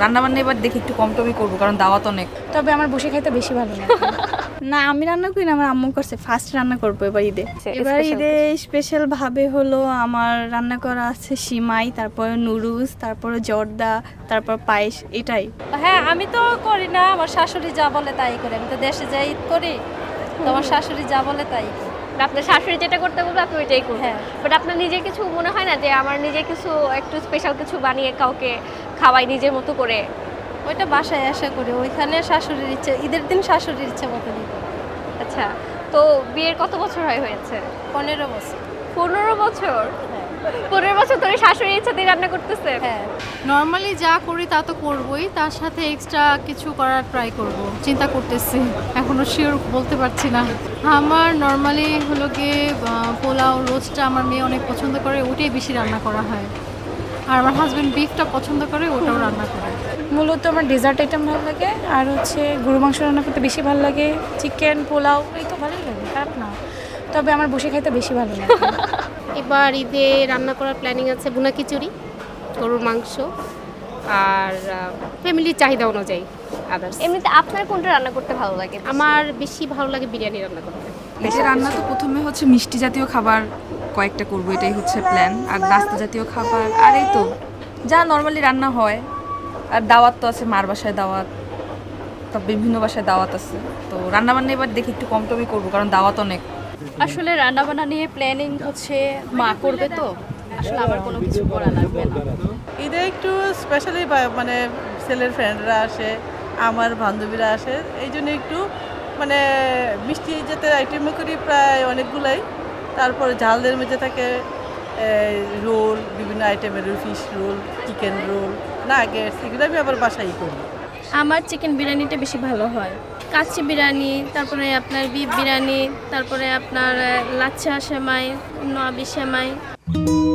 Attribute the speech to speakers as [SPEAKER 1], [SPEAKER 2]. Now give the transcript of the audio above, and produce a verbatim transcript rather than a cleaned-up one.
[SPEAKER 1] রান্না বান্না এবার দেখি একটু কম টমই করবো, কারণ দাওয়াত অনেক।
[SPEAKER 2] তবে আমার বসে খাইতে বেশি ভালো লাগে। না আমি রান্না করি না, আমার আম্মু করছে। ফার্স্ট রান্না করবো এবার ঈদে। এবার ঈদে স্পেশাল ভাবে হলো আমার রান্না করা আছে সিমাই, তারপরে নুডলস, তারপরে জর্দা, তারপর পায়েস, এটাই।
[SPEAKER 3] হ্যাঁ আমি তো করি না, আমার শাশুড়ি যা বলে তাই করি। আমি তো দেশে যাই ঈদ করি, তো আমার শাশুড়ি যা বলে তাই করি।
[SPEAKER 4] আপনার শাশুড়ি যেটা করতে বলবে আপনি ওইটাই করবেন।
[SPEAKER 3] হ্যাঁ।
[SPEAKER 4] বাট আপনার নিজের কিছু মনে হয় না যে আমার নিজে কিছু একটু স্পেশাল কিছু বানিয়ে কাউকে খাওয়াই নিজের মতো করে?
[SPEAKER 3] ওইটা বাসায় আশা করি, ওইখানে শাশুড়ির ইচ্ছে, ঈদের দিন শাশুড়ির ইচ্ছে মতনই করি।
[SPEAKER 4] আচ্ছা, তো বিয়ের কত বছর হয় হয়েছে?
[SPEAKER 3] পনেরো বছর।
[SPEAKER 4] পনেরো বছর? পনেরো বছর ধরে শাশুড়ির ইচ্ছাতে রান্না করতেছে?
[SPEAKER 3] হ্যাঁ।
[SPEAKER 5] নর্মালি যা করি তা তো করবই, তার সাথে এক্সট্রা কিছু করার ট্রাই করব, চিন্তা করতেছি, এখনো শিওর বলতে পারছি না। আমার নর্মালি হলো গিয়ে পোলাও, রোস্টটা আমার মেয়ে অনেক পছন্দ করে, ওটাই বেশি রান্না করা হয়। আর আমার হাজব্যান্ড বিফটা পছন্দ করে, ওটাও রান্না করে।
[SPEAKER 2] মূলত আমার ডেজার্ট আইটেম ভালো লাগে, আর হচ্ছে গরু মাংস রান্না করতে বেশি ভালো লাগে। চিকেন, পোলাও এই তো ভালোই লাগে, খারাপ না। তবে আমার বসে খাইতে বেশি ভালো লাগে।
[SPEAKER 6] এবার ঈদে রান্না করার প্ল্যানিং আছে ভুনা খিচুড়ি, গরুর মাংস, আর ফ্যামিলির চাহিদা অনুযায়ী আদার্স।
[SPEAKER 4] এমনিতে আপনার কোনটা রান্না করতে ভালো লাগে?
[SPEAKER 6] আমার বেশি ভালো লাগে বিরিয়ানি রান্না করতে।
[SPEAKER 1] এই রান্না তো প্রথমে হচ্ছে মিষ্টি জাতীয় খাবার কয়েকটা করবো, এটাই হচ্ছে প্ল্যান। আর নাস্তা জাতীয় খাবার, আর এই তো যা নর্মালি রান্না হয়। আর দাওয়াত তো আছে, মার বাসায় দাওয়াত, তো বিভিন্ন বাসায় দাওয়াত আছে। তো রান্না বান্না এবার দেখি একটু কম টমই করবো, কারণ দাওয়াত অনেক।
[SPEAKER 7] আসলে রান্নাবান্না নিয়ে প্ল্যানিং হচ্ছে মা করবে, তো আসলে আমার কোনো কিছু করা লাগবে না।
[SPEAKER 8] ঈদে একটু স্পেশালি মানে ছেলের ফ্রেন্ডরা আসে, আমার বান্ধবীরা আসে, এই জন্য একটু মানে মিষ্টি যাতে আইটেমও করি প্রায় অনেকগুলাই। তারপরে ঝালদের মধ্যে থাকে রোল, বিভিন্ন আইটেমের roll, fish roll, chicken roll, nuggets, এগুলো আমি আবার বাসায় করি।
[SPEAKER 7] আমার চিকেন বিরিয়ানিটা বেশি ভালো হয়। কাচ্চি বিরিয়ানি, তারপরে আপনার বিফ বিরিয়ানি, তারপরে আপনার লাচ্ছা সেমাই, নয়াবি সেমাই।